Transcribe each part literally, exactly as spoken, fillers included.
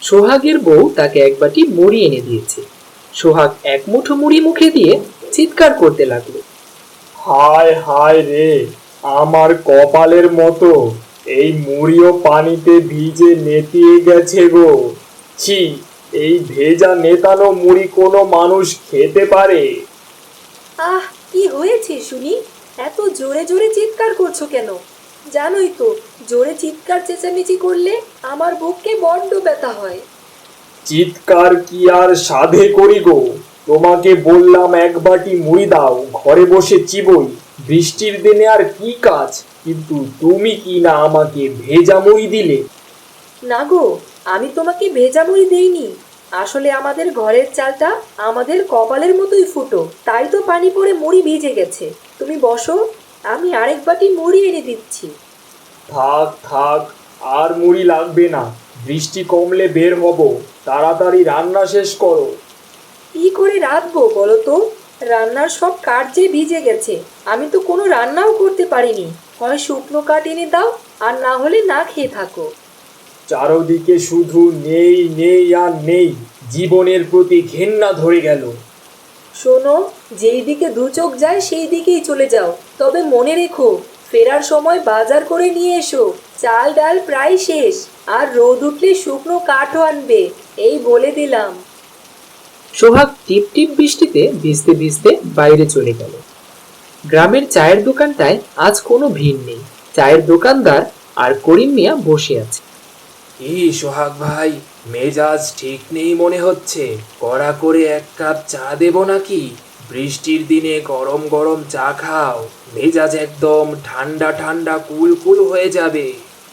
সোহাগের বউ তাকে এক বাটি মুড়ি এনে দিয়েছে। সোহাগ এক মুঠো মুড়ি মুখে দিয়ে চিৎকার করতে লাগলো, হায় হায় রে, আমার কপালের মতো এই মুড়িও পানিতে ভিজে নেতিয়ে গেছে গো। ছি, এই ভেজা নেতানো মুড়ি কোনো মানুষ খেতে পারে? আহ, কি হয়েছে শুনি? এত জোরে জোরে চিৎকার করছো কেন? জানোই তো, জোরে চিৎকার চেঁচামেচি করলে আমার বুকে বড্ড ব্যথা হয়। চিৎকার কি আর সাধে করি গো? তোমাকে বললাম এক বাটি মুড়ি দাও, ঘরে বসে চিবোই। বৃষ্টির দিনে আর কি কাজ, কিন্তু তুমি কি না আমাকে ভেজা মুড়ি দিলে। না গো, আমি তোমাকে ভেজা মুড়ি দেইনি। আসলে আমাদের ঘরের চালটা আমাদের কপালের মতোই ফুটো, তাই তো পানি পড়ে মুড়ি ভিজে গেছে। তুমি বসো, আমি আরেক বাটি মুড়ি এনে দিচ্ছি। থাক থাক, আর মুড়ি লাগবে না। বৃষ্টি কমলে বের হব, তাড়াতাড়ি রান্না শেষ করো। কি করে রাঁধবো বলো তো? রান্নার সব কাঠ যে ভিজে গেছে, আমি তো কোনো রান্নাও করতে পারিনি। হয় শুকনো কাঠ এনে দাও, আর না হলে না খেয়ে থাকো। চারদিকে শুধু নেই নেই আর নেই, জীবনের প্রতি ঘেন্না ধরে গেল। শোনো, যেই দিকে দু চোখ যায় সেই দিকেই চলে যাও। তবে মনে রেখো, ফেরার সময় বাজার করে নিয়ে এসো। চাল ডাল প্রায় শেষ, আর রোদ উঠলে শুকনো কাঠও আনবে, এই বলে দিলাম। সোহাগ টিপ টিপ বৃষ্টিতে ভিজতে ভিজতে বাইরে চলে গেল। গ্রামের চায়ের দোকানটায় আজ কোনো ভিড় নেই। চায়ের দোকানদার আর করিম মিয়া বসে আছে। কি সোহাগ ভাই, মেজাজ ঠিক নেই মনে হচ্ছে। কড়া করে এক কাপ চা দেব নাকি? বৃষ্টির দিনে গরম গরম চা খাও, মেজাজ একদম ঠান্ডা ঠান্ডা কুল কুল হয়ে যাবে।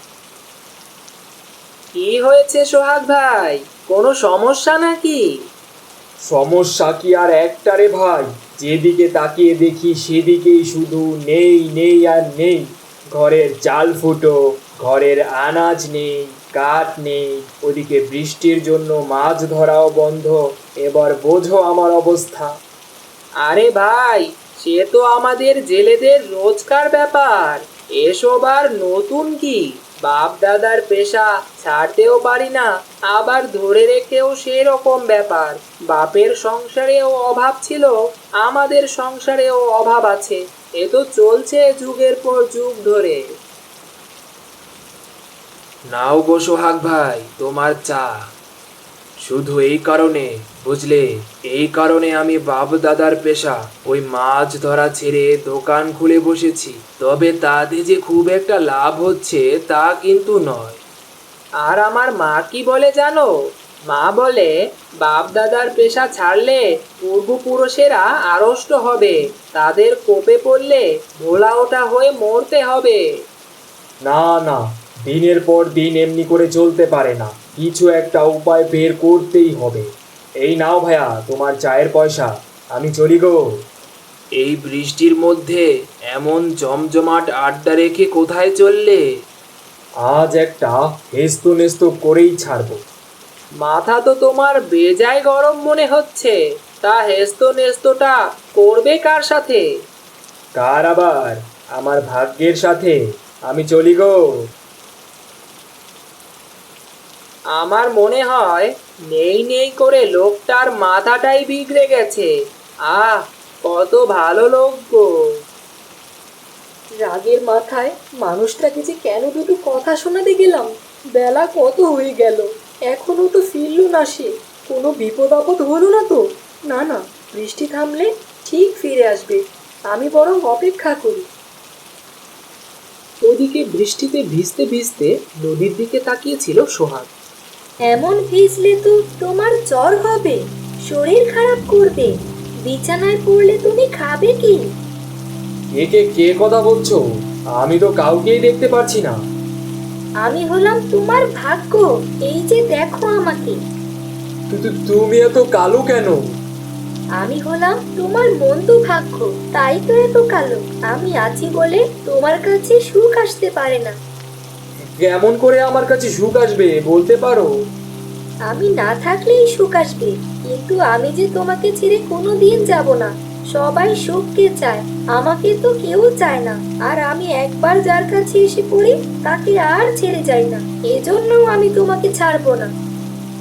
কি হয়েছে সোহাগ ভাই, কোনো সমস্যা নাকি? সমস্যা কি আর একটা রে ভাই, যেদিকে তাকিয়ে দেখি সেদিকেই শুধু নেই নেই আর নেই। ঘরের চাল ফুটো, ঘরের আনাজ নেই, কাঠ নেই, ওদিকে বৃষ্টির জন্য মাছ ধরাও বন্ধ। এবার বোঝো আমার অবস্থা। আরে ভাই, সে তো আমাদের জেলেদের রোজকার ব্যাপার। এসব আর নতুন কি? বাপ দাদার পেশা ছাড়তেও পারি না, আবার ধরে রেখেও সেরকম ব্যাপার। বাপের সংসারেও অভাব ছিল, আমাদের সংসারেও অভাব আছে। এ তো চলছে যুগের পর যুগ ধরে। নাও গো সোহাগ ভাই তোমার চা। শুধু এই কারণে, বুঝলে, এই কারণে আমি বাপ দাদার পেশা ওই মাছ ধরা ছেড়ে দোকান খুলে বসেছি। তবে তাতে যে খুব একটা লাভ হচ্ছে তা কিন্তু নয়। আর আমার মা কি বলে জানো? মা বলে বাপ দাদার পেশা ছাড়লে পূর্বপুরুষেরা আড়ষ্ট হবে, তাদের কোপে পড়লে ভোলা ওঠা হয়ে মরতে হবে। না না, দিনের পর দিন এমনি করে চলতে পারে না, কিছু একটা উপায় বের করতেই হবে। এই নাও ভাইয়া তোমার চায়ের পয়সা, আমি চলি গো। এই বৃষ্টির মধ্যে এমন জমজমাট আড্ডা রেখে কোথায় চললে? আজ একটা হেস্ত নেস্ত করেই ছাড়বো। মাথা তো তোমার বেজায় গরম মনে হচ্ছে। তা হেস্ত নেস্তটা করবে কার সাথে? কার আবার? আমার ভাগ্যের সাথে। আমি চলি গো। আমার মনে হয় নেই নেই করে লোকটার মাথাটাই বিগড়ে গেছে। আহ, কত ভালো লোক গো। রাগের মাথায় মানুষটাকে যে কেন দুটো কথা শোনাতে গেলাম। বেলা কত হয়ে গেল, এখনো তো ফিরল না সে। কোনো বিপদ আপদ হলো না তো? না না, বৃষ্টি থামলে ঠিক ফিরে আসবে। আমি বরং অপেক্ষা করি। ওদিকে বৃষ্টিতে ভিজতে ভিজতে নদীর দিকে তাকিয়েছিল সোহাগ। এমন ভিজলে তো তোমার জ্বর হবে, শরীর খারাপ করবে। বিছানায় পড়লে তুমি খাবে কি? একে কে কথা বলছো? আমি তো কাউকেই দেখতে পাচ্ছি না। আমি হলাম তোমার ভাগ্য, এই যে দেখো আমাকে। কিন্তু তুমি এত কালো কেন? আমি হলাম তোমার বন্ধু ভাগ্য, তাই তো এত কালো। আমি আছি বলে তোমার কাছে সুখ আসতে পারে না। কেমন করে আমার কাছে সুখ আসবে বলতে পারো? আমি না থাকলেই সুখ আসবে, কিন্তু আমি যে তোমাকে ছেড়ে কোনো দিন যাব না। সবাই সুখকে চায়, আমাকে তো কেউ চায় না। আর আমি একবার যার কাছে এসে পড়ি তাকে আর ছেড়ে যাই না, এজন্য আমি তোমাকে ছাড়বো না।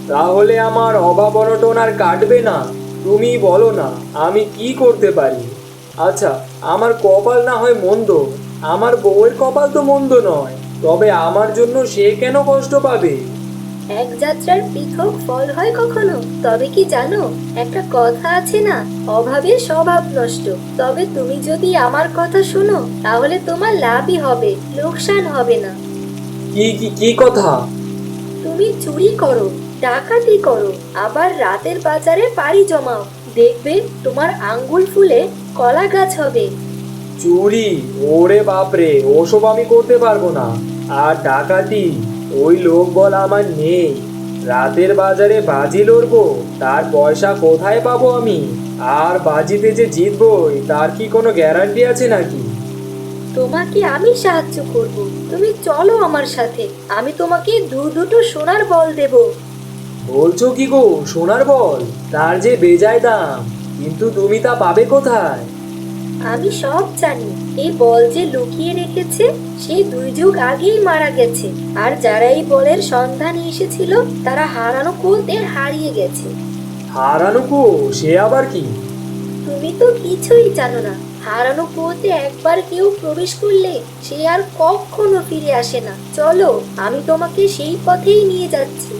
তাহলে আমার অভাব অনটন আর কাটবে না। তুমি বলো না আমি কি করতে পারি। আচ্ছা, আমার কপাল না হয় মন্দ, আমার বউয়ের কপাল তো মন্দ নয়, তবে আমার জন্য সে কেন কষ্ট পাবে? এক যাত্রার পৃথক ফল হয় কখনো? তবে কি জানো, একটা কথা আছে না, অভাবের স্বভাব নষ্ট। তবে তুমি যদি আমার কথা শোনো তাহলে তোমার লাভই হবে, লোকসান হবে না। কি কি কি কথা? তুমি চুরি করো, ডাকাতি করো, আবার রাতের বাজারে পাড়ি জমাও, দেখবে তোমার আঙ্গুল ফুলে কলা গাছ হবে। চুরি? ওরে বাপরে, ওসব আমি করতে পারবো না। আর ডাকাতি? ওই লোক বল আমার নেই। রাতের বাজারে বাজি লড়বো, তার পয়সা কোথায় পাবো আমি? আর বাজিতে যে জিতবই তার কি কোনো গ্যারান্টি আছে নাকি? তোমাকে আমি সাহায্য করব, তুমি চলো আমার সাথে, আমি তোমাকে দু দুটো সোনার বল দেব। বলছো কি গো, সোনার বল? তার যে বেজায় দাম, কিন্তু তুমি তা পাবে কোথায়? আমি সব জানি। এই বল যে লুকিয়ে রেখেছে সে দুই যুগ আগেই মারা গেছে, আর যারা এই বলের সন্ধানে এসেছিল তারা হারানো কুয়োতে হারিয়ে গেছে। হারানো কো? সে আবার কি? তুমি তো কিছুই জানো না। হারানো কুয়োতে একবার কেউ প্রবেশ করলে সে আর কখনো ফিরে আসে না। চলো, আমি তোমাকে সেই পথেই নিয়ে যাচ্ছি।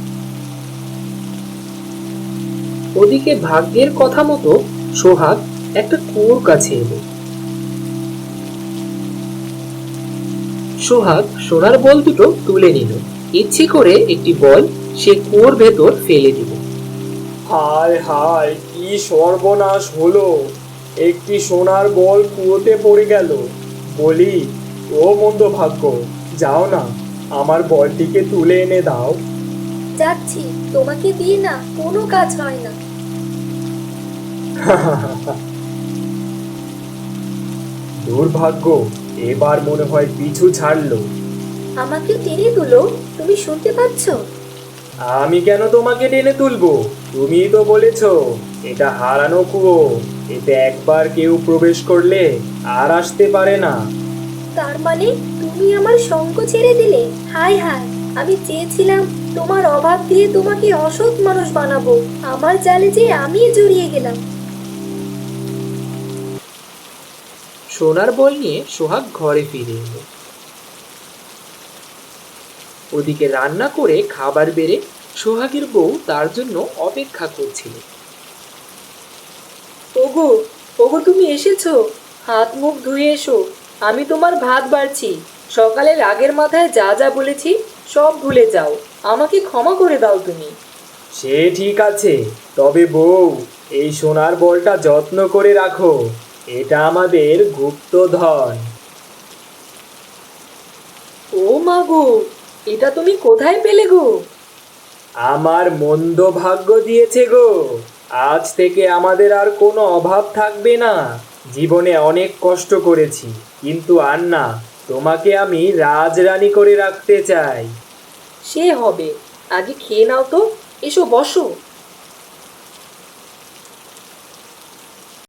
ওদিকে ভাগ্যের কথা মতো সোহাগ একটা কুয়োর কাছে এলো। সোহাগ সোনার বল দুটো তুলে নিল, ইচ্ছে করে একটি বল সে কুয়োর ভেতর ফেলে দিল। হায় হায়, কি সর্বনাশ হলো! একটি সোনার বল কুয়োতে পড়ে গেল। বলি, ও মন্দ ভাগ্য, যাও না, আমার বলটিকে তুলে এনে দাও। যাচ্ছি, তোমাকে দিয়ে না কোনো কাজ হয় না। দুর্ভাগ্য, এবার মনে হয় পিছু ছাড়লো। আমাকে টেনে তুলো, তুমি শুনতে পাচ্ছ? আমি কেন তোমাকে টেনে তুলবো? তুমিই তো বলেছো এটা হারানো কুয়ো, এতে একবার কেউ প্রবেশ করলে আর আসতে পারে না। তার মানে তুমি আমার সঙ্গ ছেড়ে দিলে? হায় হায়, আমি চেয়েছিলাম তোমার অভাব দিয়ে তোমাকে অসৎ মানুষ বানাবো, আমার জালে যে আমি জড়িয়ে গেলাম। সোনার বল নিয়ে সোহাগ ঘরে ফিরে এলো। ওদিকে রান্না করে খাবার বেড়ে সোহাগের বউ তার জন্য অপেক্ষা করছিল। ওগো, ওগো তুমি এসেছো? হাত মুখ ধুয়ে এসো, আমি তোমার ভাত বাড়ছি। সকালে রাগের মাথায় যা যা বলেছি সব ভুলে যাও, আমাকে ক্ষমা করে দাও তুমি। সে ঠিক আছে, তবে বউ, এই সোনার বলটা যত্ন করে রাখো, এটা আমাদের গুপ্তধন। ও মা গো, এটা তুমি কোথায় পেলে গো? আমার মন্দ ভাগ্য দিয়েছে গো। আজ থেকে আমাদের আর কোনো অভাব থাকবে না। জীবনে অনেক কষ্ট করেছি, কিন্তু আর না, তোমাকে আমি রাজরানী করে রাখতে চাই। সে হবে, আগে খেয়ে নাও তো, এসো বসো।